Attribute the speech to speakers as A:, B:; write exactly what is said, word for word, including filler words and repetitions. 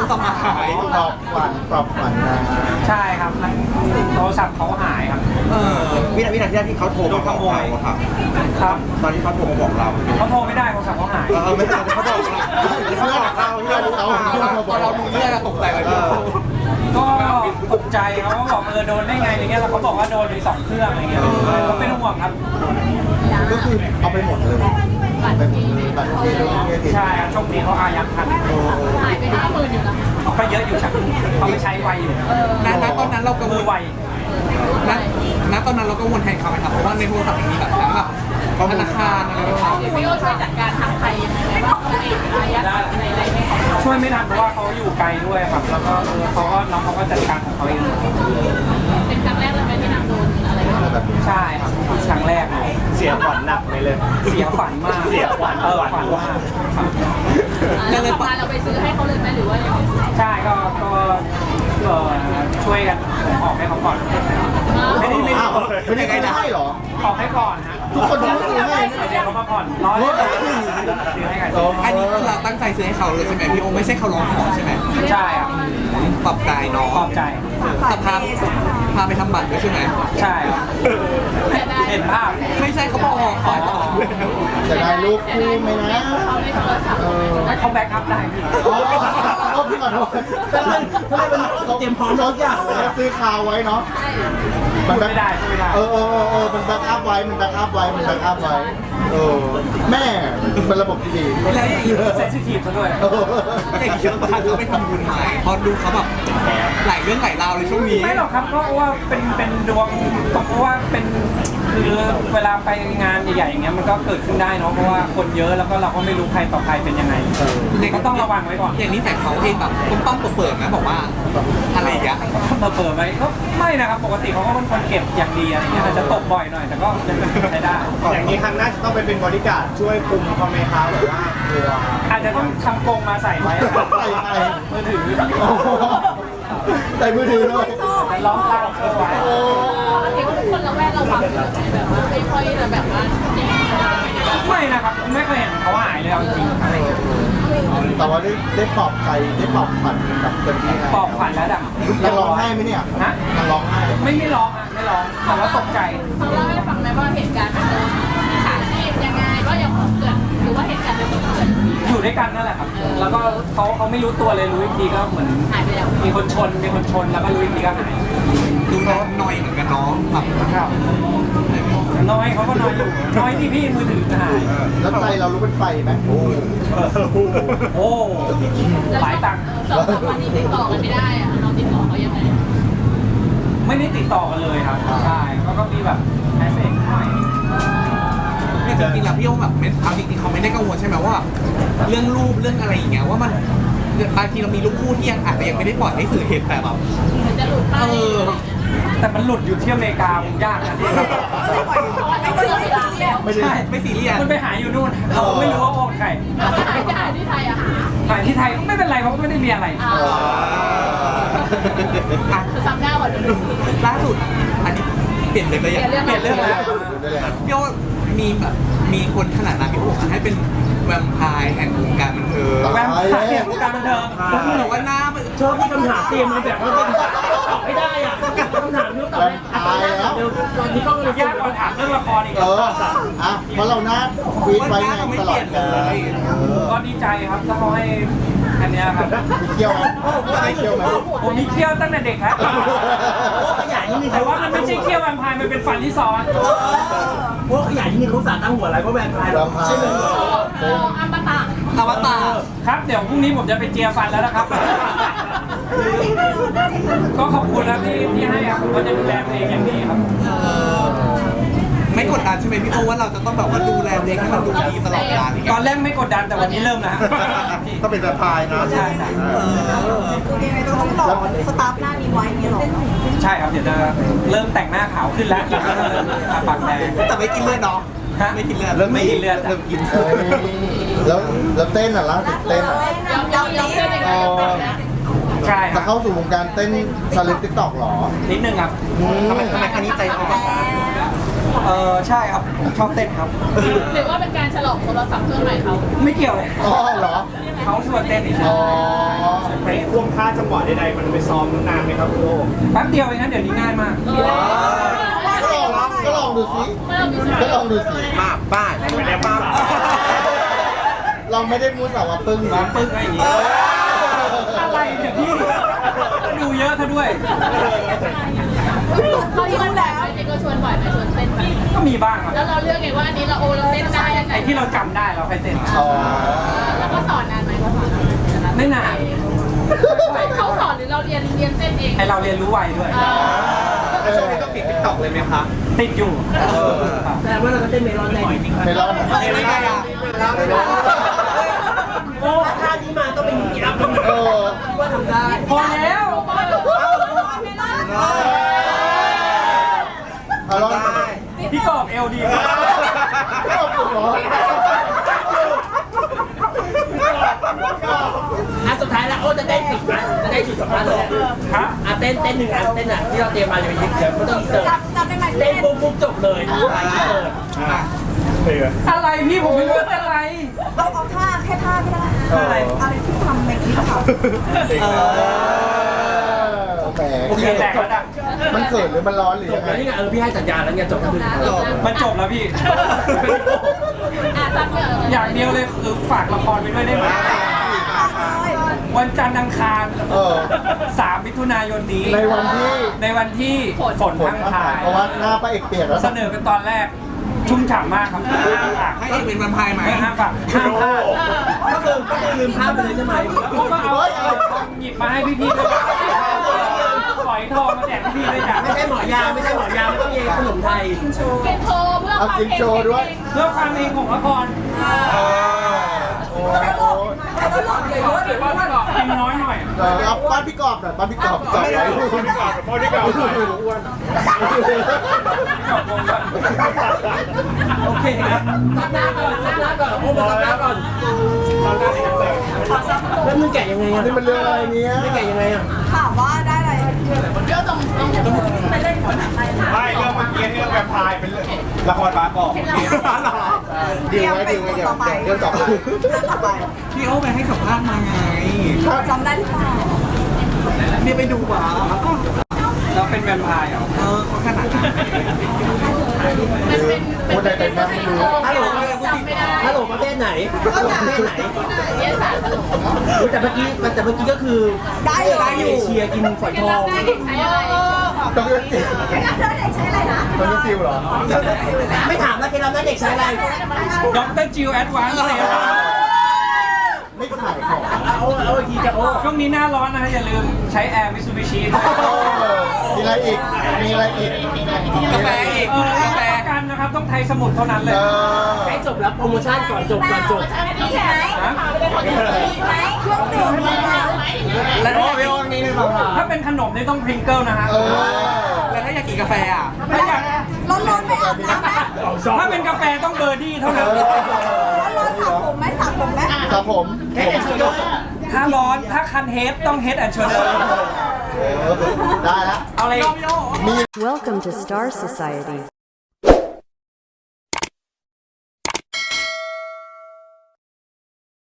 A: ศัพท์หายปลอบขวัญปลอบขวัญนะ
B: ใช่ครับมันโทรศัพท์เขาหายครับ
A: เออวินาทีนั้นที่เขาโทรมาบอกเราอะครับ
B: ครับ
A: ตอนที่เขาโทรมาบอกเรา
B: เขาโทรไม่ได้โทรศัพท์เขาหาย
A: เออไม่ใช่เขาบอกเราเขาบอกเราเพื่อนเขาพอเราดูเรื่องตกใจเลย
B: ก็ตกใจเขาก็บอกเออโดนได้ไงอะไรเงี้ยแล้วเขาบอกว่าโดนไปสองเครื่องอะไรเงี้ยเขาเป็นห่วงครับ
A: ก็คือเอาไปหมดเลยไปหมดเลยบัตรเครดิต
B: ใช่ครับโชคดีเขาอายัดทัน
C: หายไปห้าหมื่นอยู่นะ
B: ก็เยอะอยู่ครับเขาไม่ใช้ไวอยู่
D: ณณตอนนั้นเรากังว
B: มื
D: ล
B: อไว
D: ณณตอนนั้นเรากังวลแทนเขาไหมครับเพราะว่าในโทรศัพท์มีแบบทั้งแบบธนาคารอะไรต่าง
C: เดี๋ยวพี่โอช่วยจัดการทางไทยยังไงบ้างเขาเองอายัดในอะไรไม่ของ
B: ช่วยไม่ทันเพราะว่าเขาอยู่ไกลด้วยครับแล้วก็เออเขาก็น้องเขาก็จัดการของเขาเอง
C: เป็นครั้งแรกเลยไหมที่นางโดนอะไร
A: อะไรแบบนี้
B: ใช่ครับครั้งแรกเลย
E: เสียขวัญหนักไปเลย
B: เสียฝันมาก
E: เสียขวัญ
B: เออฝันมากครับ
C: แล้วต่อมาเราไปซื้อให้เขาเลยไหมหรือว่ายังไง
B: ใช่ก็ก็เอ่อช่วยกันออกให้เขาก่อนไม่ได้ไม่ได้
A: อ้าวไม่ได้ซื้อให้เหรอ
B: ออกให้ก่อนฮะ
A: ทุกคนต้องซื้อให้
B: เดี๋ยวเขามาผ่อนร้อยซื้อให้กัน
D: ๆอันนี้คือเราตั้งใจซื้อให้เขาเลยใช่ไหมพี่โอไม่ใช่เขาร้องขอใช่ไหม
B: ใช่ครับ
D: ปรับใจน้อง
B: ขอบใจ
D: แต่พาพาไปทำบัตรด้วยใช่ไหม
B: ใช่ครับ
C: เสียดาย
B: เห็นภาพ
D: ไม่ใช่เขาบอกขอต่อ
A: จะได้รูปคู่ไหมนะ
C: เขาในโทรศัพท์
B: แล้วเขาแบ็กอัพได้พี่
A: โอ้โอ้พี่ขอโทษถ้าเป็นถ้าเป็นเขาเตรียมพร้อมทุกอย่างเลยซื้อคาวไว้เนาะ
B: พูดไม่ได้พูดไม่ได้
A: เออเออเออเออมันแบ็กอัพไว้ มันแบ็กอัพไว้ มันแบ็กอัพไว้เออแม่เป็นระบบที่ดี
D: แล้วอย่างนี้
B: เซนซิทีฟซะด้วย
A: เออ
D: อย่างนี้เราพาเขาไปทำบุญไหมเพราะดูเขาแบบหลายเรื่องหลายราวเลยช่วงนี้
B: ไม่หรอกครับก็ว่าเป็นเป็นดวงเพราะว่าเป็นคือเวลาไปงานใหญ่ๆอย่างเงี้ยมันก็เกิดขึ้นได้เนาะเพราะว่าคนเยอะแล้วก็เราก็ไม่รู้ใครต่อใครเป็นยังไงก็ต้องระวังไว้ก่อน
D: อย่างนี้แต่เขาเองแบบต้มต้มเปิดๆนะบอกว่าอะไรอย่างเงี้ย
B: มาเปิดไหมก็ไม่นะครับปกติเขาก็เป็นคนเก็บอย่างดีอะไรเงี้ยอาจจะตกบ่อยหน่อยแต่ก็ยังใช้ได้
E: อย่างนี้ครั้งหน้าจะต้องไปเป็นบริการดช่วยคุมเขาไหมคะหรือว่ากลัว
B: อาจจะต้องทำกรงมาใส่ไว้ครับ
A: ใส่ไป
B: มือถือ
A: โอ้โหใส่มือถือด้วย
B: แต่ล้อมล่างเอาไว้
A: โอ้
C: เห็นว่าทุกคนระแวดระวังแบบว่าไม่ค่อยจะแบบว่า
B: ไม่นะครับไม่เคยเห็นเขาหายเลยเอาจริงๆครับ
A: แต่ว่าได้ได้ปลอบใจได้ปลอบขวัญกับเต็มที่นะ
B: ปลอบขวัญแล้วดัง
A: ยังร้องไห้ไหมเนี่ย
B: ฮะ
A: ยังร้องไห้ไหม
B: ไม่ไม่ร้องอ่ะไม่ร้องแต่ว่าตกใจ
C: เขาเล่าให้ฟังไหมว่าเหตุการณ์มันโดนมิจฉาชีพยังไงก็ยังเกิดหรือว่าเหตุการณ์มันเกิด
B: อยู่ด้วยกันนั่นแหละครับ แล้วก็เขาเขาไม่รู้ตัวเลยรู้อีกทีก็เหมือน
C: หายไปแล้ว
B: มีคนชนมีคนชนแล้วก็รู้อีกทีก็หาย
D: ดูน้องหน่อยเหมือนกันน้องแบบ
B: ครับน้อยเขาก็น้อยอยู่น้อยที่พี่มือถือหาย
A: แล้วใจเรารู้เป็นไฟไหมโอ้
B: โอ้หลายตังค์
C: สองสามวันนี้ติดต่อกันไม่ได้อะเราติดต่อเขายังไง
B: ไม่ได้ติดต่อกันเลยครับใช่เขาก็มีแบบแมสเซจหน่อย
D: เนี่ยจริงๆแล้วพี่โอแบบไม่เอาจริงๆเขาไม่ได้กังวลใช่ไหมว่า เรื่องรูปเรื่องอะไรอย่างเงี้ยว่ามันบางทีเรามีรูปคู่ที่ยังอาจจะยังไม่ได้ปล่อยให้สื่อเห็นแต่แบบ
C: มันจะหลุดไป
D: เออ
B: แต่มันหลุดอยู่ที่อเมริกาผมยากนะที่
C: ไม่ได้ไม่ได้แล้ว
A: ไม่ได้
B: ใช่
D: ไม่ซีเรียส
B: มันไปหาอยู่นู่นเขาไม่รู้ว่าโอนใคร
C: หายจะหายที่ไทยอะหา
B: หาที่ไทยก็ไม่เป็นไรเพราะไม่ได้มีอะไร
C: อ่า
D: อ่ะ
C: คือซ้ำหน้าวันนี้
D: ล่าสุดอันนี้เปลี่ยนเลยไปยัง
B: เปลี่ยนเรื่องแล้ว
A: ได้เลย
D: พี่โอมีแบบมีคนขนาดนั้นพี่โอให้เป็นแวมไพร์แห่งวงการบันเทิง
B: แวมไพร์เนี่ยวงการบันเทิง
D: แล้วพี่บอกว่าหน้ามัน
E: ชอบที่คำถามเตรียมมาแบบว่าตอบไม่ได้อ่ะคำถามนี้ตอบ
A: แว
E: ไม่
A: มไพร์แล้ว
E: เดี๋ยวตอนนี้ก็เลย
B: ยากกว่าถามเรื่องละครอีก
A: เอออ่ะเพราะเราหน้าฟีดไว้ไงตลอดเลย
B: ก็ดีใจครับถ้าเขาให้อันเนี้ยครับ
A: มีเที่ยวไหมไม่เที่ยวไหม
B: ผมมีเขี้ยวตั้งแต่เด็กครับ
E: ขยายนิดนึง
B: แต่ว่ามันไม่ใช่เขี้ยวแวมไพร์มันเป็นฟันที่ซ้อน
E: เพราะขยายนิดนึงเขาสาตั้งหัวอะไรเพราะแวมไพร์
A: แว
E: เรา
A: มไพ
E: ใช่ไหม
A: ร์
C: โอ้อัมตะ
D: อวตาร
B: ครับเดี๋ยวพรุ่งนี้ผมจะไปเจียฟันแล้วนะครับ ก็ขอบคุณนะที่ที่ให้ครับผมก็จะดูแลตัวเองอย่างดีครับ
D: ไม่กดดันใช่ไหมพี่โอว่าเราจะต้องแบบว่าดูแลตัวเองให้มันดูดีตลอดเวลาอย่าง
B: ต
D: เงี้
B: อย นแรกไม่กดดันแต่วันนี้เริ่มแล้ว
A: ก็เป็นแวมไพร์นะ
B: ใช่ใช่
F: ต้องรอสตาร์ฟหน้านี้ไว้อย่างนี้หรอ
B: ใช่ครับเดี๋ยวจะเริ่มแต่งหน้าขาวขึ้นแล้วแล้วก็จะเริ่มทาปากแดง
D: แต่ไม่กินเลือดเนาะ
B: ฮะ
D: ไม่กินเลือด
A: เริ่ม
B: ไม่กินเลือด
A: เริ่มกินเออแล้วแล้วเต้นอ่ะล่าสุดเต้นอ่ะ
C: ยอมยอมยอมเพื่อนยังไงนะ
B: ใช่ค
A: จะ
B: รับ
A: เข้าสู่วงการเต้นชาเลนติ๊กต็อกหรอ
B: นิดนึงครับ
D: ทำไมทำไมครั้งนี้ใจอ่อน
B: เออใช่ครับชอบเต้นครับ
C: หรือว่าเป็นการฉลองโทรศัพท์เครื่องใหม่เขา
B: ไม่เกี่ยวเลย
A: อ๋อเหรอ
B: เขาชวนเต้นอีก
A: อ๋อ
E: ไปควงท่าจังหวะใดๆมันไปซ้อมนานไหมครับคุณโอ
B: แป๊บเดียวเองนะเดี๋ยวนี้ง่ายมาก
A: ก็ลองก็ลองดูสิก็ลองดูสิ
D: มาป้า
E: ไม่ได้ป้า
A: ลองไม่ได้มูสาวะปึ้งนะ
B: ปึ้งอะไรอย่างงี้อะไรเนี่ยพี่ดูเยอะซะด้วย
C: เขาชวนแบบจริงก็ชวนบ่อยไหมชวนเต้นแบบ
B: ก็มีบ้างครับ
C: แล้วเราเลือกไงว่าอันนี้เราโอเราเต้นได้ยังไง
B: ไอ้ที่เราจำได้เราไปเต้น
A: อ๋อ
C: แล้วก็สอนนานไหมเขาสอนนาน
B: ไม่นาน
C: เขาสอนหรือเราเรียนเรียนเต้นเอง
B: ไอเราเรียนรู้ไวด้วย
E: แล้วช่วงนี้ก็ปิดติ๊กต็อกเลยไหมคะ
B: ติดอยู่ครับ
F: แต่ว่าเราก็เต้นเมลอนได้
A: ไม่รอด
D: ไม่ได้อะ
B: โอ้
F: ท่านี้มาต้องเป็นอย่างนี้ครับ
A: เออ
F: ว่าทำได้
B: พอแล้ว
A: เอาลอง
B: พี่กอบเอลดีมาก
A: ไม่เอาปุ๋ยเหรอ
F: อ่ะสุดท้ายแล้วโอ้จะได้ปิดนะจะได้จุดสำคัญเลย
B: ฮะ
F: อ่ะเต้นเต้นหนึ่งอันเต้นอ่ะที่เราเตรียมมาจะเป็นเดี๋ยวไม่ต้องอินเสิร์ตเต้นปุ๊บปุ๊บจบเลยไปอินเสิร์ต
B: อะไรพี่ผมไม่รู้ว่าอะไร
G: เอาเอาท่าแค่ท่าก็ได้
B: อะไร
G: อะไรที่ทำในคลิปค่ะ
A: เออแหม
B: โอเคแตกแล้วจ้ะ
A: มันเขินหรือมันร้อนหรือ
F: จ
A: ยั
F: บ
A: งไง
F: แล้วนี่ไงเออพี่ให้สัญญาแล้วไงจบแล้วคือ
B: มันจบแล้วพี่
C: อ่ะซ้ำเยอะ
B: อย่างเดียวเลยคือฝากละครไปด้วยได้ไหมวันจันทร์อังคาร
A: เออ
B: สามมิถุนายนนี้
A: ในวันที่
B: ในวันที่ฝน
A: ฝน
B: พัง
A: มา
B: ทา
A: ถ่าย
B: ย
A: เพราะว่าหน้าป้าเอกเปียกแล้ว
B: เสนอกันตอนแรก ชุ่มฉ่ำมากครับห้ามฝาก
D: ให้เอกเป็นวันพายไหม
B: ไม่ห้ามฝากห้ามพลาด
F: ก็คือก็คือลืมภาพไปเลยใช่ไหม
B: ผมก็เอาหยิบมาให้พี่ๆด้วยฝอยทองมาแจกพี่ๆด้วยจ้ะ
F: ไม่ใช่หมอยาไม่ใช่หมอยาไม่ต้องเยขนมไทย
C: กินโชว์เพื่อ
A: เอากินโชว์ด้วย
B: เพื่อความเองของละคร
A: โอ้
F: แล้วหลอกเลยว่าเดี๋ยวว่าหลอก
B: กินน้อยหน่อย
A: เออเอาป้านพี่กอบหน่อยป้านพี่กอบจอดไว้
E: พ่อที่เก่าหน่อยอ้วน
B: ขอบคุณครับ
F: โอเคนะซับหน้าก่อนซับหน้าก่อนโอ้มาซับหน้าก่อนแล้วมึงแกะยังไงอ่ะ
A: นี่มันเรื่องอะไรเนี้ย
F: ไม่แกะยังไงอ่ะ
G: ถามว่าได้อะไร
C: เดี๋ยวตรงตรงไปเล่นก่อนไป
E: ไม่เรื่องเมื่อกี้ที่เรื่องแวมไพร์เป็นละครบาสบอก
A: ดีไว้ดีไว้เดี๋ยวเดี๋ยวต่อไป
G: เรื่องต่อไป
D: พี่โอ้ไปให้สัมภาษณ์มาไง
G: จำได้หรือเปล่า
D: นี่ไปดูหวา
B: เราเป็นแวมไพร์เหรอ
D: เออเขาขนาดนั้น
C: มันเป็น
A: พูดอะไรเป็นแม่ไม่รู้
F: ฮัลโหล
C: จำไม่ได้
F: ฮัลโหลประเทศไหนประเทศไหน
C: เรียนศาสตร์ตลก
F: อุ๊ยแต่เมื่อกี้แต่เมื่อกี้ก็คือ
G: ได้เลย
F: ได้เอเชียกินฝอยทอง
C: ใช้อะไร
A: ต้องเลือกจิ๋ว
G: แล้วเธอเด็กใช้อะไรนะ
A: ต้องเลือกจิ๋วเหรอ
F: ไม่ถามแล้วเคล็ดลับนั้นเด็กใช้อะไร
B: ด็อกเตอร์จิวแอดวานซ์เลย
A: ไม่ขายของ
F: เอาเอาอีกทีจะโอ้
B: ช่วงนี้หน้าร้อนนะฮะอย่าลืมใช้แอร์มิซูบิชิด้วย
A: มีอะไรอีก มีอะไรอีก
D: กาแฟอีก
B: เออกาแฟกันนะครับต้องไทยสมุทรเท่านั้นเลย
A: เออ
F: ให้จบแล้วโปรโมชั่นก่อนจบก่อนจบ
G: มีไหม
B: ฮะ
G: มีไหมเครื่องดื่มมีไหม
D: แล้วถ้าอยากกิน
B: ถ้าเป็นขนมนี่ต้องพริงเกิลนะฮะ
A: เออ
D: แล้วถ้าอยากกินกาแฟอ่ะ
B: ถ้าอยาก
G: ร้อนร้อนๆไปอาบน้ำไหม
B: ถ้าเป็นกาแฟต้องเบอร์ดี้เท่า
A: เอ
B: นั้น
A: อ
G: ร้อนร้อนๆสระผมไหมสระผมไหม
A: ครับผม
B: ถ้าร้อนถ้าคันเฮดต้องเฮดแอนด์โชเดอร์
A: เออได้ละ
B: เอาอะไร
A: มี
H: Welcome to Star Society.